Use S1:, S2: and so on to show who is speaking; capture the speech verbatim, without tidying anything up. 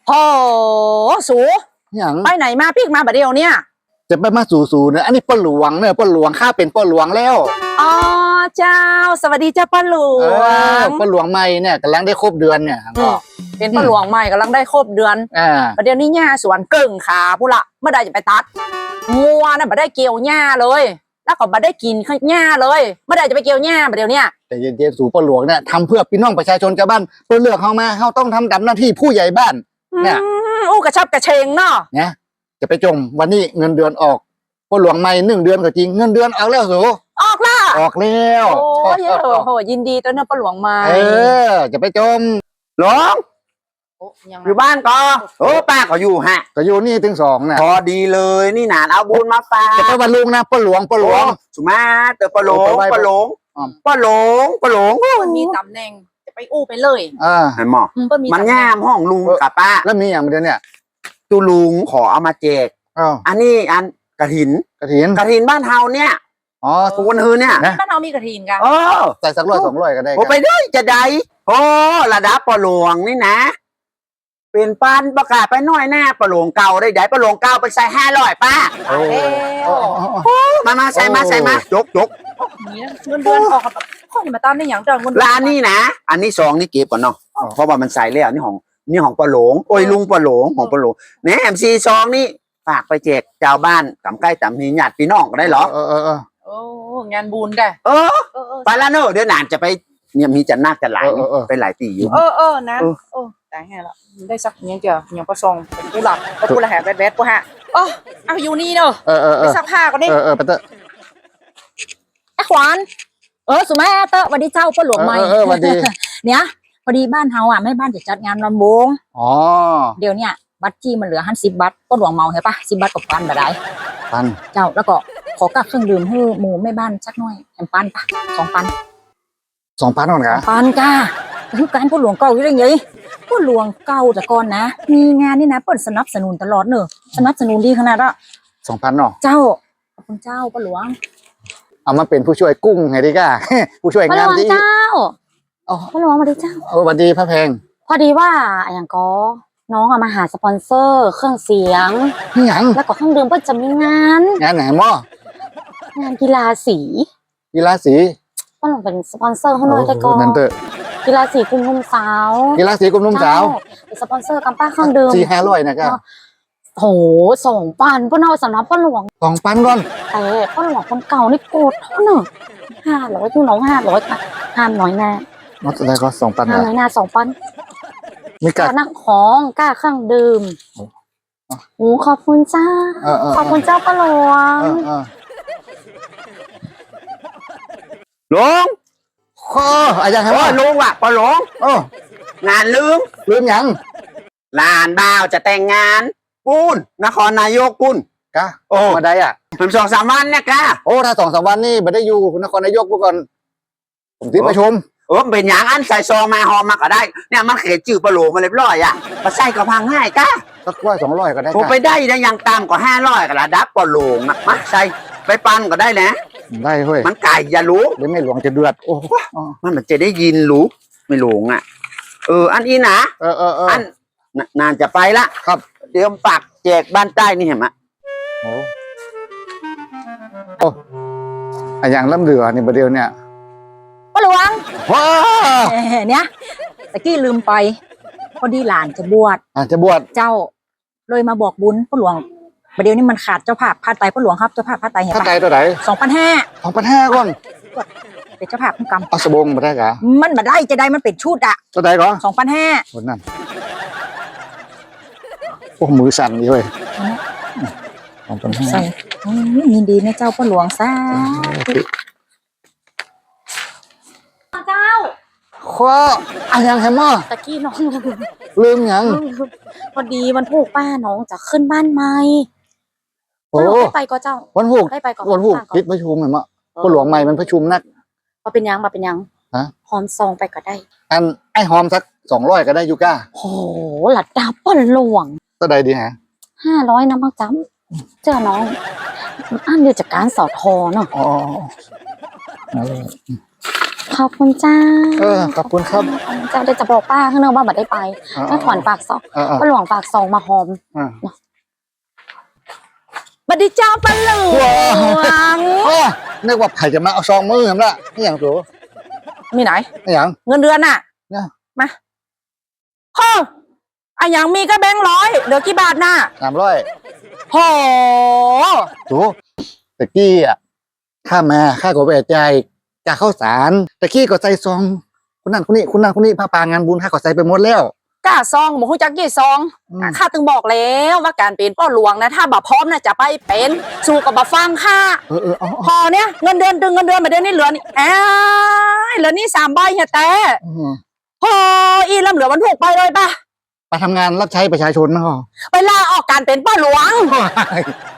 S1: โอ้สู
S2: อย่าง
S1: ไปไหนมาพี่มาบัดเดียวเนี่ย
S2: จะไปมาสู่สู่เนี่ยอันนี้ป้าหลวงเนี่ยป้าหลวงข้าเป็นป้าหลวงแล้ว
S1: อ๋อเจ้าสวัสดีเจ้าป้าหลวง
S2: ป้าหลวงใหม่เนี่ยกำลังได้ครบเดือนเนี่ยก็
S1: เป็นป้าหลวงใหม่กำลังได้ครบเดือน
S2: อ่า
S1: บัดเดียวนี้หญ้าสวนเกิ่งขาพูละเมื่อใดจะไปตัดงัวน่ะบัดได้เกี่ยวหญ้าเลยแล้วก็บัดได้กินข้าวหญ้าเลยเมื่อใดจะไปเกี่ยวหญ้าบัดเดียวเนี่ย
S2: แต่เย็นๆสู่ป้าหลวงเนี่ยทำเพื่อพี่น้องประชาชนชาวบ้านเพื่อเลือกเขามาเขาต้องทำตามหน้าที่ผู้ใหญ่บ้านเนี่ย
S1: อู้กระชับกระเชงเนาะ
S2: เนี่ยจะไปจมวันนี้เงินเดือนออกป้าหลวงใหม่หนึ่งเดือนก็จริงเงินเดือนออกแล้วสู
S1: ออกละ
S2: ออกแล้ว
S1: โอ้ยโหยินดีต้นเนื้อป้าหลวงใหม่
S2: เออจะไปจม
S3: หลวงอยู่บ้านก็โอ้ป้าก็อยู่ฮะ
S2: ก็อยู่นี่ถึงสองน่ะ
S3: พอดีเลยนี่หนานเอาบุญมาฝาก
S2: จะไปวันลุงนะป้าหลวงป้าหลวง
S3: สุมาเตอป้าหลวงป้าหลวงป้าหลวงป้าหลวง
S1: มันมีตำแหน่งจะไปอู้ไปเลย
S2: อ่า
S3: เห็นหมอมันง่ามห้องลุงกับป้า
S2: แล้วมีอย่างเดียวเนี่ย
S3: ตูลุงขอเอามาแจกอันนี้อันกระถิน
S2: กระถิน
S3: กระถินบ้านเฮาเนี่ย
S2: อ๋อ
S3: ทุกคนฮือเนี่ย
S1: บ้านเฮามีกระถินกัน
S3: เออ
S2: ใส่สักร้อยสองร้อยก็ได้
S3: โอ้ไปได้จะได้โอ้ระดับป้าหลวงนี่นะเป็นปานประกาศไปน้อยหน้าปลาหลวงเก่าได้ได้ปลาหลวงเก่าไปใส่ห้าร้อยป้ามามาใส่มาใส่มายกยก
S1: เงินเดือนออกข้อนี้มาตามได้อย่างเดิมเงิน
S3: ร้านนี้นะอันนี้ซองนี่เก็บก่อนเนาะเพราะว่ามันใส่แล้วนี่ของนี่ของปลาหลวงโอ้ยลุงปลาหลวงของปลาหลวงเนี่ยเอ็มซีซองนี่ฝากไปแจกชาวบ้านกำใกล้ตำหีญาติพี่น้องก็ได้หรอ
S2: เออเออเออ
S1: โอ้งานบุญได้
S3: เออไปแล้วเนอะเดี๋ยวนานจะไปเนี่ยมีจันนาคจะหลายไปหลายตีอยู่
S1: เออเออนะเออแต่ไงล่ะได้สักยังเจอยังประซองเป็นผู้หลักเป็นผู้ละแหบแบดแบดผู้ฮะโอ้เอาอยู่นี่เนอะ
S2: เออเออ
S1: ไปซักผ้าก่อนดิ
S2: เออเออไปเตอะ
S1: ไอ้ขวานเออสุมาเตอะวันนี้เจ้าป้าหลวงใหม่
S2: เออวันดี
S1: เนี่ยพอดีบ้านเฮาอ่ะแม่บ้านจะจัดงานลำวง
S2: อ๋อ
S1: เดี๋ยวเนี่ยบัตรจี้มันเหลือห้าสิบบัตรป้าหลวงเมาเห็นปะสิบบัตรกับปันแบบไหน
S2: ปัน
S1: เจ้าแล้วก็ขอกับเครื่องดื่มให้หมู่แม่บ้านสักหน่อยแอมปันปะสองปัน
S2: สองปันก่อนค่ะ
S1: ปันก้าคือการป้าหลวงเก่าอยู่ได้ไงป้าหลวงเก่าแต่ก่อนนะมีงานนี่นะเปิดสนับสนุนตลอดเนอะสนับสนุนดีขนาดละ
S2: สองพันเนาะ
S1: เจ้าขอบคุณเจ้าป้าหลวง
S2: เอามาเป็นผู้ช่วยกุ้งไงดีก้าผู้ช่วยงานที่
S1: เจ้าป้าหลวงมาดิเจ้า
S2: โอ้สวัสดีพระแพง
S1: พอดีว่าอย่างก็น้องเอามาหาสปอนเซอร์เครื่องเสียง
S2: อย่าง
S1: แล้วก็เครื่องดื่มเพื่อจะมีงาน
S2: งานไหนมั่
S1: งานกีฬาสี
S2: กีฬาสี
S1: ป้าหลวงเป็นสปอนเซอร์เขาหน่อยได้ก่อนกีฬาสีกลุ่มนุ่มสาว
S2: กีฬาสีกลุ่มนุ่มสาว
S1: เป็นสปอนเซอร์กำป้าเครื่องดื่ม
S2: สี่ห้าร้อยนะครับ
S1: โหสองปันป้าเอาสำนักป้าหลวง
S2: สองปันก่อน
S1: แต่ป้าหลวงคนเก่านี่โกรธเท่าหนึ่งห้าร้อยที่น้องห้าร้อยห้ามน้อยแน่
S2: นัดอะไรก็สองปัน
S1: ห้ามน้อยหน้าสองปัน
S2: ไม่กล้า
S1: นั่งของกล้าเครื่องดื่มโอ้ขอบคุณเจ้าขอบคุณเจ้าป้าหลวง
S3: ลุง
S2: ข้ออะไรอย่างไรวะ
S3: ลุงว่ะป้าหลวง
S2: โอ้
S3: งานลืม
S2: ลืมยัง
S3: ลานบ่าวจะแต่งงานปุ้นนครนายกปุ้น
S2: กะโอ้มาได้อ่ะ
S3: เป็นสองสามวันเนี่ยกะ
S2: โอ้ถ้าสองสามวันนี่ไม่ได้อยู่นครนายกก่อนผมที่ประชุม
S3: เออเป็นอย่างอันใส่ซองมาหอมมาก็ได้เนี่ยมันเขียนจื่อปลาโหลมาเรียบร้อยอ่ะมาใส่ก็พังง่ายกะ
S2: สักร้อยสองร้อยก็ได้
S3: ผมไปได้ได้ยังตามกว่าห้าร้อยก็ระดับปลาโหลนะมาใส่ไปปั้นก็ได้นะ
S2: ได้เฮ้ย
S3: มันไก่อย่ารู้
S2: เดี๋ยวไม่หลวงจะเดือดโอ้
S3: มันมันจะได้ยินรู้ไม่หลงอ่ะเอออันนี้นะ
S2: เออเออเอออั
S3: นนานจะไปละ
S2: ครับ
S3: เตรียมปักแจกบ้านใต้นี่เห็นไหม
S2: โอ้โอ้อย่างล้ำเดือนี่ประเดี๋ยวเนี่ย
S1: ป้าหลวง
S2: ว้า
S1: เนี่ยตะกี้ลืมไปพอดีหลานจะบวช
S2: อ่าจะบวช
S1: เจ้าเลยมาบอกบุญป้าหลวงประเดี๋ยวนี้มันขาดเจ้าภาพผ้าไตป้าหลวงครับเจ้าภาพผ้าไตเห็นปะ
S2: ผ้าไตตัวไหน
S1: สองพันห้า
S2: สองพันห้าก่อน
S1: เป็นเจ้าภาพผู้กำ
S2: เอาสบงมาได้กะ
S1: มันมาได้จะได้มันเป็นชุดอะ
S2: ตัวไหนก่อน
S1: สองพันห้า
S2: คนนั้นโอ้มือสั่นดีเว้ยสองพันห้า
S1: ใส่ยินดีนะเจ้าป้าหลวงซ่าเจ้า
S2: ข้ออะไรยังไงมั่ง
S1: ตะกี้น้อง
S2: ลืมยัง
S1: พอดีวันผูกป้าน้องจะขึ้นบ้านใหม่
S2: โอ้
S1: ได้ไปก็เจ้า
S2: วันผูก
S1: ได้ไปก็
S2: วันผูกพิษประชุมเหมือนมั้งป้าหลวงใหม่มันประชุมนัก
S1: มาเป็นยังมาเป็นยัง
S2: ฮะ
S1: หอมซองไปก็ได้
S2: อันไอ้หอมสักสองร้อยก็ได้ยูก้า
S1: โอ้หลัดดาป้าหลวง
S2: ตัวใดดีฮะ
S1: ห้าร้อยน้ำมันจ้ำเจ้าน้องอันอยู่จากการสอทอเนาะ
S2: อ๋อ
S4: ขอบคุณจ้า
S2: เออขอบคุณครับ
S4: เจ้าเดี๋ยวจะบอกป้าข้างนอกว่าบัดได้ไป
S2: อ่า
S4: แม่ขวัญฝากซอง
S2: อ่าอ่า
S4: ป้าหลวงฝากซองมาหอม
S2: อ่า
S1: บัดดีเจ้าปะหลวง
S2: อ้อนึกว่าไผ่จะมาเอาซองมือผมละนี่อย่างตัว
S1: มีไหน
S2: นี่อย่าง
S1: เงินเดือนน่ะ
S2: เนี่ย
S1: มาโอ้อะอย่างมีก็แบงค์ร้อยเหลือกี่บาทน่ะ
S2: สามร้อย
S1: โห
S2: ตัวตะกี้อ่ะข้ามาข้าก็ไปใจายกาข้าวสารตะกี้ก็ใส่ซองคนนั้นคนนี้คนนั้นคนนี้พาปางานบุญข้าก็ใส่ไปหมดแล้ว
S1: กล้าซองหมูฮู้จักกี่ซอง
S2: อืม
S1: อ่ะข้าตึงบอกแล้วว่าการเป็นป้อหลวงนะ ถ้าบ่พร้อมนะจะไปเป็นสู้กับบ่ฟังข้า
S2: เออเออเอา
S1: พอเนี่ยเงินเดือนดึงเงินเดือนมาเดือนนี้เหลือนี่อ้ายเหลือนี่สามใบเฮียแต่
S2: อืม
S1: พออีลำเหลือวันถูกไปเลยป่ะ
S2: ไปทำงานรับใช้ประชาชนมั้งเหรอ
S1: ไปลาออกการเป็นป้อหลวง